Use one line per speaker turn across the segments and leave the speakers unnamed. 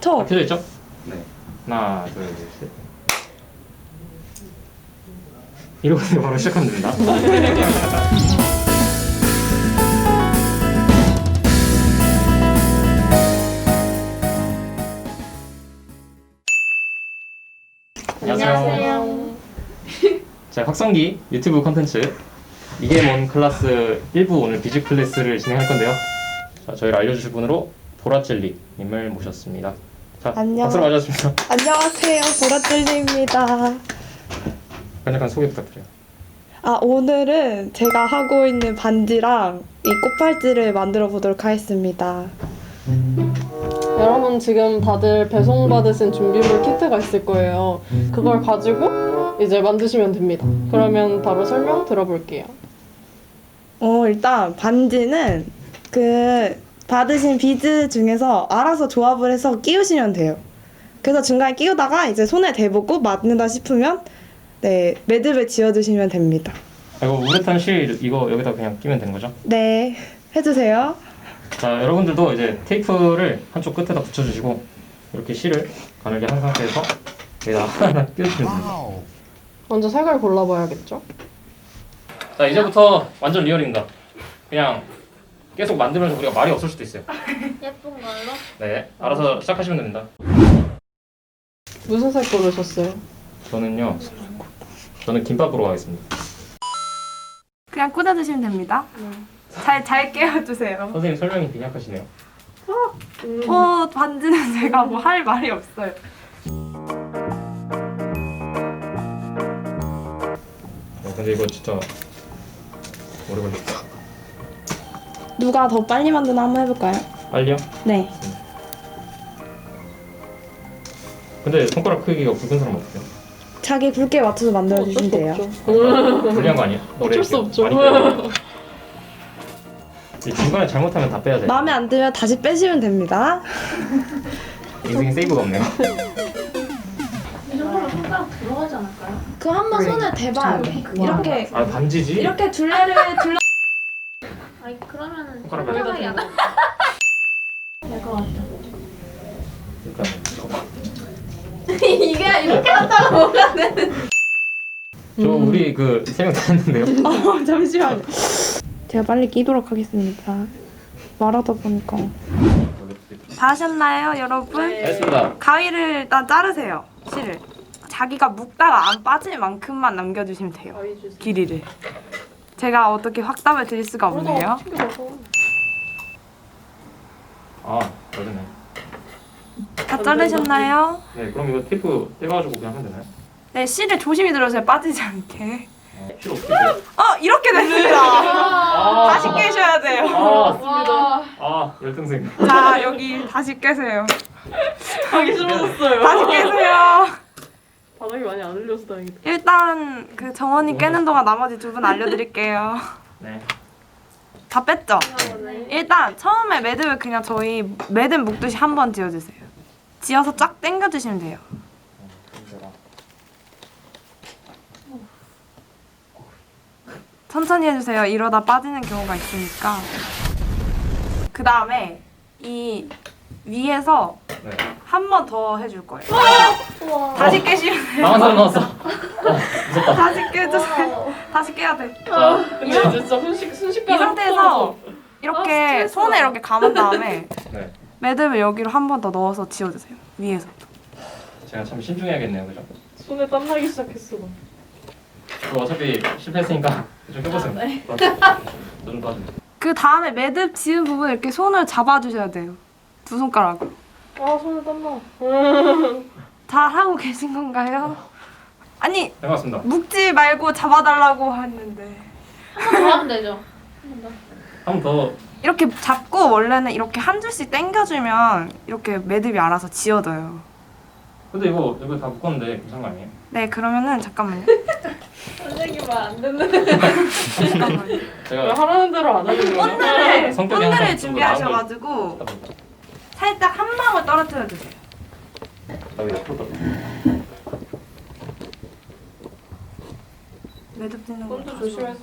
다 켜져 있죠?
네.
하나, 둘, 셋. 이러고 바로 시작하면 됩니다. 안녕하세요. 자, 확성기 유튜브 콘텐츠 이게 뭔 클래스 1부 오늘 비즈 클래스를 진행할 건데요. 자, 저희를 알려주실 분으로 보라젤리님을 모셨습니다. 자,
안녕.
박수로 맞았습니다.
안녕하세요. 보라젤리입니다.
간략한 소개 부탁드려요.
오늘은 제가 하고 있는 반지랑 이 꽃팔찌를 만들어 보도록 하겠습니다.
여러분 지금 다들 배송받으신 준비물 키트가 있을 거예요. 그걸 가지고 이제 만드시면 됩니다. 그러면 바로 설명 들어볼게요.
일단 반지는 그 받으신 비즈 중에서 알아서 조합을 해서 끼우시면 돼요. 그래서 중간에 끼우다가 이제 손에 대보고 맞는다 싶으면 네, 매듭을 지어주시면 됩니다.
이거 우레탄 실 이거 여기다 그냥 끼면 되는 거죠?
네, 해주세요.
자, 여러분들도 이제 테이프를 한쪽 끝에다 붙여주시고 이렇게 실을 가늘게 한 상태에서 여기다 하나 끼워주시면 됩니다.
먼저 색을 골라봐야겠죠?
자, 이제부터 완전 리얼입니다. 그냥 계속 만들면서 우리가 말이 없을 수도 있어요.
예쁜 걸로?
네, 알아서 시작하시면 됩니다.
무슨 색 고르셨어요?
저는 김밥으로 가겠습니다.
그냥 꽂아주시면 됩니다. 잘 끼워주세요.
선생님 설명이 빈약하시네요.
반지는 제가 뭐 할 말이 없어요.
근데 이거 진짜 오래 걸렸다.
누가 더 빨리 만드나 한번 해볼까요?
빨리요?
네.
근데 손가락 크기가 굵은 사람 어때요?
자기 굵기에 맞춰서 만들어주시면 돼요.
불리한 거 아니야?
어쩔 수 없죠.
중간에 잘못하면 다 빼야 돼.
마음에 안 들면 다시 빼시면 됩니다.
인생에 세이브가 없네요.
이 정도면 손가락 들어가지 않을까요?
그 한 번 손에 대봐야 돼. 이렇게
아, 반지지?
이렇게 둘레를 둘러.
아니 그러면은
손가락
손가락이 안 될것 같아.
그러니까
이게 이렇게 하다가 뭐가 되는?
저 우리 그 세 명 다 했는데요.
잠시만요. 제가 빨리 끼도록 하겠습니다. 말하다 보니까. 다 하셨나요, 여러분?
했습니다.
가위를 일단 자르세요. 실을. 자기가 묶다가 안 빠질 만큼만 남겨주시면 돼요. 길이를. 제가 어떻게 확답을 드릴 수가 없네요.
아, 맞네.
다 자르셨나요?
네, 그럼 이거 테이프 떼가지고 그냥 하면 되나요?
네, 실을 조심히 들어주세요. 빠지지 않게.
필요 없겠어요.
이렇게 됐습니다.
아,
다시 깨셔야 돼요.
열등생.
자, 여기 다시 깨세요.
하기 싫어졌어요.
다시 깨세요.
바닥이 많이 안 흘려서 다행이다.
일단 그 정원이 깨는 동안 나머지 두 분 알려드릴게요.
네.
다 뺐죠? 일단 처음에 매듭을 그냥 저희 매듭 묶듯이 한 번 지어주세요. 지어서 쫙 당겨주시면 돼요. 천천히 해주세요. 이러다 빠지는 경우가 있으니까. 그 다음에 이 위에서
네.
한 번 더 해줄 거예요. 다시 깨시면 돼요.
나만 사람 나왔어. 무섭다.
다시 깨주세요. 다시 깨야 돼.
자,
근데 진짜 순식간에
이 상태에서 이렇게 손에 이렇게 감은 다음에
네.
매듭을 여기로 한 번 더 넣어서 지워주세요. 위에서.
제가 참 신중해야겠네요, 그죠?
손에 땀 나기 시작했어.
저 어차피 실패했으니까 좀 껴보세요. 저좀 도와주세요.
그 다음에 매듭 지은 부분 이렇게 손을 잡아주셔야 돼요. 두 손가락으로.
손에 땀 나.
잘 하고 계신 건가요? 아니
네, 반갑습니다.
묶지 말고 잡아달라고 했는데
더 하면 되죠.
한 번 더.
이렇게 잡고 원래는 이렇게 한 줄씩 당겨주면 이렇게 매듭이 알아서 지워져요.
근데 이거 다 묶었는데 괜찮은 거 아니에요?
네, 그러면은 잠깐만요.
선생님 말 안 듣는.
잠깐만요.
제가
하라는 대로 안 하는 거야.
본드를
성격이 항상 좀
준비하셔가지고
하다 보니까.
살짝 한 방울 떨어뜨려 주세요.
나 왜 앞으로 떨어?
매듭 짓는 거.
손도 조심해서.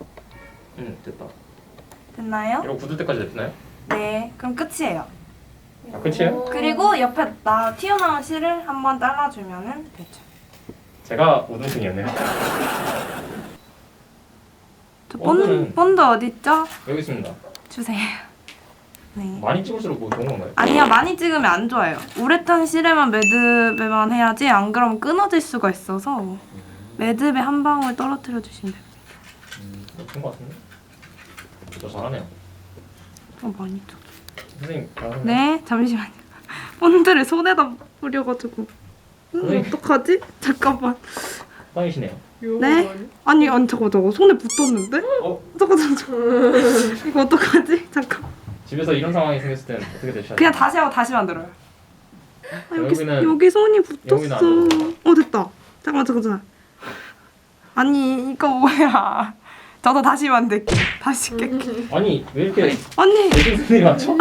됐다.
됐나요?
이러고 굳을 때까지 됐나요?
네, 그럼 끝이에요.
아, 끝이에요?
그리고 옆에 나 튀어나온 실을 한번 잘라주면은 되죠.
제가 우등생이었네요.
저
본드는-
본드 어딨죠?
여기 있습니다.
주세요. 네.
많이 찍을수록 뭐 좋은 건가요?
아니요, 많이 찍으면 안 좋아요. 우레탄 실에만 매듭에만 해야지, 안 그러면 끊어질 수가 있어서 매듭에 한 방울 떨어뜨려 주시면 돼요.
좋은 것 같은데? 저 잘하네요.
많이 줘.
선생님 잘하네요.
네, 잠시만요. 본드를 손에다 뿌려가지고.
선생님.
어떡하지? 잠깐만.
짱이시네요.
네? 아니, 저거 손에 붙었는데? 잠깐. 이거 어떡하지? 잠깐.
집에서 이런 상황이 생겼을 때는 어떻게 되셔야
그냥
돼요?
다시 하고 다시 만들어요. 아,
여기는-
여기 손이
여기는 안
붙었어. 됐다. 잠깐만. 아니, 이거 뭐야. 저도 다시 만들게. 다시 깰게.
아니 왜 이렇게
언니!
대중생들이 많죠?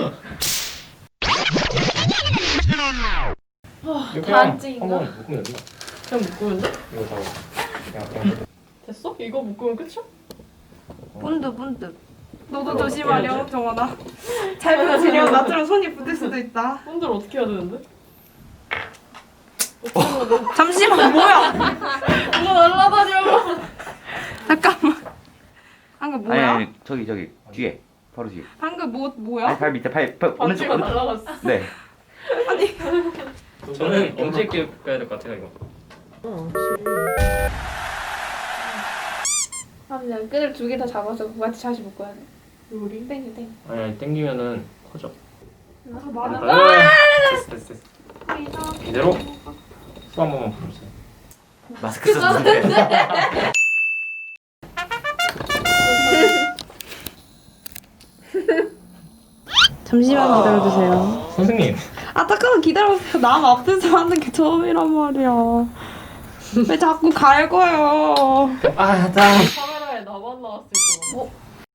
이거 그냥
반칙인가?
한번 묶으면 됩니다.
그냥 묶으면 돼?
이거 다 그냥
됐어? 이거 묶으면 끝이야?
본드. 너도 조심하렴, 정원아. 잘못 지려면 나처럼 손이 붙을 수도 있다.
본드를 어떻게 해야 되는데?
잠시만, 뭐야?
누가 날라다녀.
잠깐만. 방금 뭐야?
아니 저기 뒤에 바로 뒤에.
방금 뭐야?
아니 발 밑에 발 오른쪽
반지가
오른쪽.
날라갔어.
네.
저는 엄지 있게 가야 될 것 같아요 이거.
그냥 끈을 두 개 다 잡아서 같이 다시 묶어야 돼.
요리?
땡.
아니 땡기면은 커져.
맞아.
됐어. 이대로 수 한 번만 부르세요.
마스크 썼는데.
잠시만 기다려주세요.
선생님
잠깐만 기다려보세요. 남 앞에서 하는 게 처음이란 말이야. 왜 자꾸 갈거요?
카메라에 나만 나왔을 거.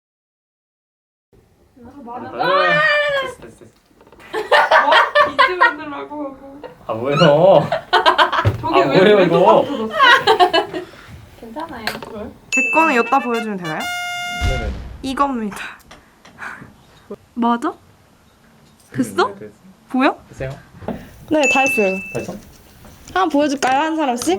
됐어.
비즈 만들라고.
아 뭐예요?
저게
아, 뭐예요, 이거?
괜찮아요.
왜?
제 거는 여기다 보여주면 되나요?
네네.
이겁니다. 맞아? 됐어?
네, 됐어.
보여?
됐어요?
네, 다 했어요.
됐어?
한번 보여줄까요? 한 사람씩?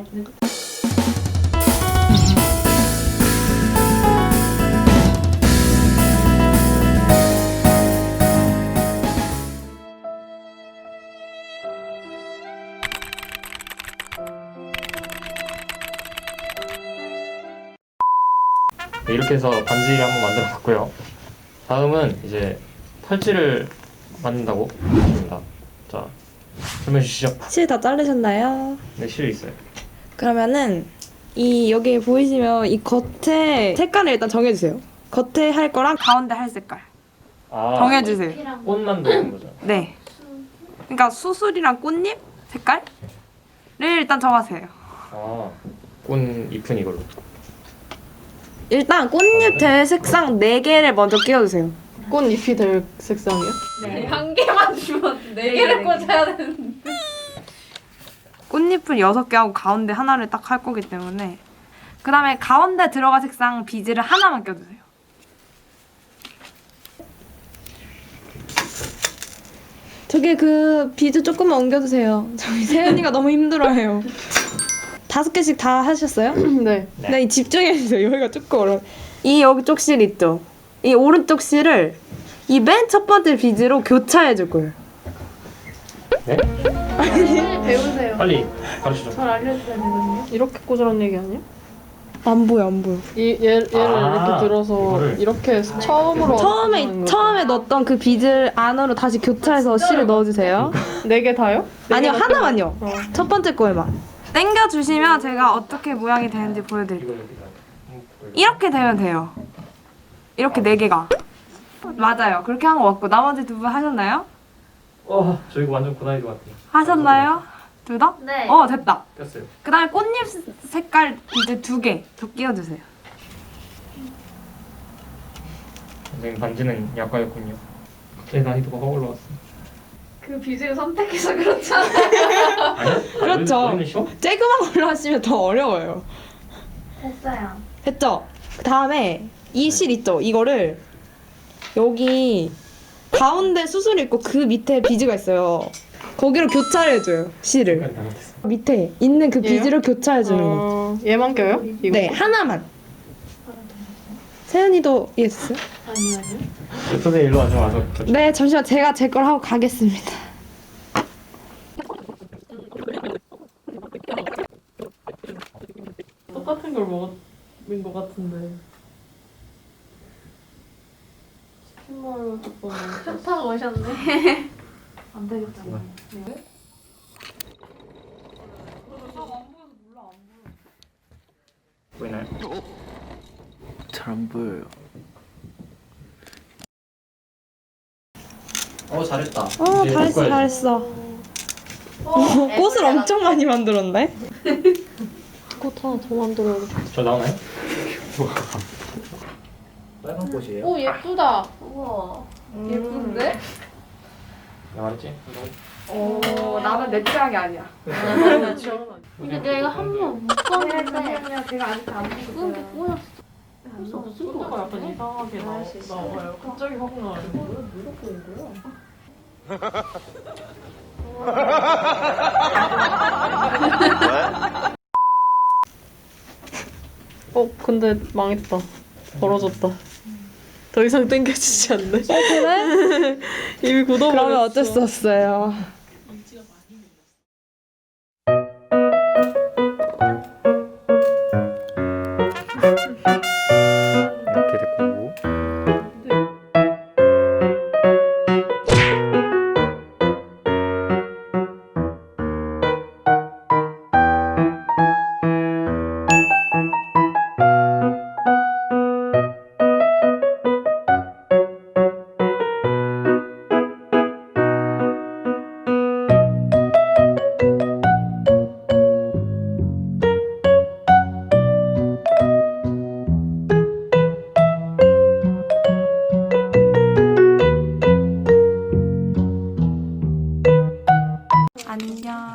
네, 이렇게 해서 반지를 한번 만들어 봤고요. 다음은 이제 팔찌를 만든다고 합니다. 자, 설명해 주시죠.
실 다 자르셨나요?
네, 실이 있어요.
그러면은 이 여기 보이시면 이 겉에 색깔을 일단 정해주세요. 겉에 할 거랑 가운데 할 색깔
아,
정해주세요.
꽃 만드는 거죠.
네. 그러니까 수술이랑 꽃잎 색깔을 일단 정하세요.
아, 꽃잎은 이걸로.
일단 꽃잎 될 색상 4개를 먼저 끼워주세요.
꽃잎이 될 색상이야?
네. 한 개만 주면 네 개를 꽂아야 되는데.
꽃잎을 6개 하고 가운데 하나를 딱 할 거기 때문에 그 다음에 가운데 들어갈 색상 비즈를 하나만 껴주세요. 저기 그 비즈 조금만 옮겨주세요. 저희 세연이가 너무 힘들어해요. 5개씩 다 하셨어요?
네.
네, 집중해주세요. 여기가 조금 어려워. 이 여기 쪽 실 있죠? 이 오른쪽 실을 이 맨 첫 번째 비즈로 교차해줄 거예요.
네?
배우세요.
빨리 가르치죠.
잘 알려줘야 되거든요.
이렇게 꽂으라는 얘기 아니야?
안 보여, 안 보여.
얘를
아,
이렇게 들어서
이거를.
이렇게 처음으로
처음에 넣었던 그 비즈 안으로 다시 교차해서 실을 넣어주세요.
4개 다요?
아니요, 하나만요.
어.
첫 번째 거에만. 당겨주시면 제가 어떻게 모양이 되는지 보여드릴게요.
이거 여기다.
이렇게 되면 돼요. 이렇게 4개가. 맞아요. 그렇게 한 거 같고 나머지 2분 하셨나요?
저 이거 완전 고난이도 같아요.
하셨나요? 둘 다?
네.
됐다.
꼈어요.
그 다음에 꽃잎 색깔 이제 2개 더 끼워주세요.
선생님 반지는 약과였군요. 갑자기 난이도가 확 올라왔어.
그 비즈를 선택해서 그렇잖아요.
아니야?
그렇죠.
너희는 쉬워?
쬐그만 걸로 하시면 더 어려워요.
됐어요.
됐죠? 그 다음에 이 실 있죠? 이거를 여기 가운데 수술이 있고 그 밑에 비즈가 있어요. 거기로 교차해줘요 실을. 밑에 있는 그 비즈를 교차해주는 거.
얘만 껴요? 이거?
네, 하나만. 세연이도 이해했어요?
선생님 일로 와서
네, 잠시만 제가 제 걸 하고 가겠습니다.
똑같은 걸 먹은 것 같은데. 치킨마요 덮어놓은
좋다고 오셨네. 안 되겠다.
보이나요?
잘 안 보여요.
잘했다. 이제
잘했어,
바꿔야지.
잘했어. 꽃을 엄청 많이 만들었네.
꽃 하나 더 만들어야겠다.
저 나오나요?
빨간 꽃이에요?
오 예쁘다. 우와. 예쁜데?
나 말했지?
나는 내 취향이 아니야.
근데 내가 한번 묶었는데
제가 아직 안
묶은 게 꼬였어. 할수 없을 것
가 약간
같아.
이상하게 나와요. 갑자기 확 나와요. 근데 망했다. 벌어졌다. 더 이상 땡겨지지 않네.
그래?
이미 굳어버렸어.
그러면 어쩔 수 없어요.
이렇게 됐고.
안녕.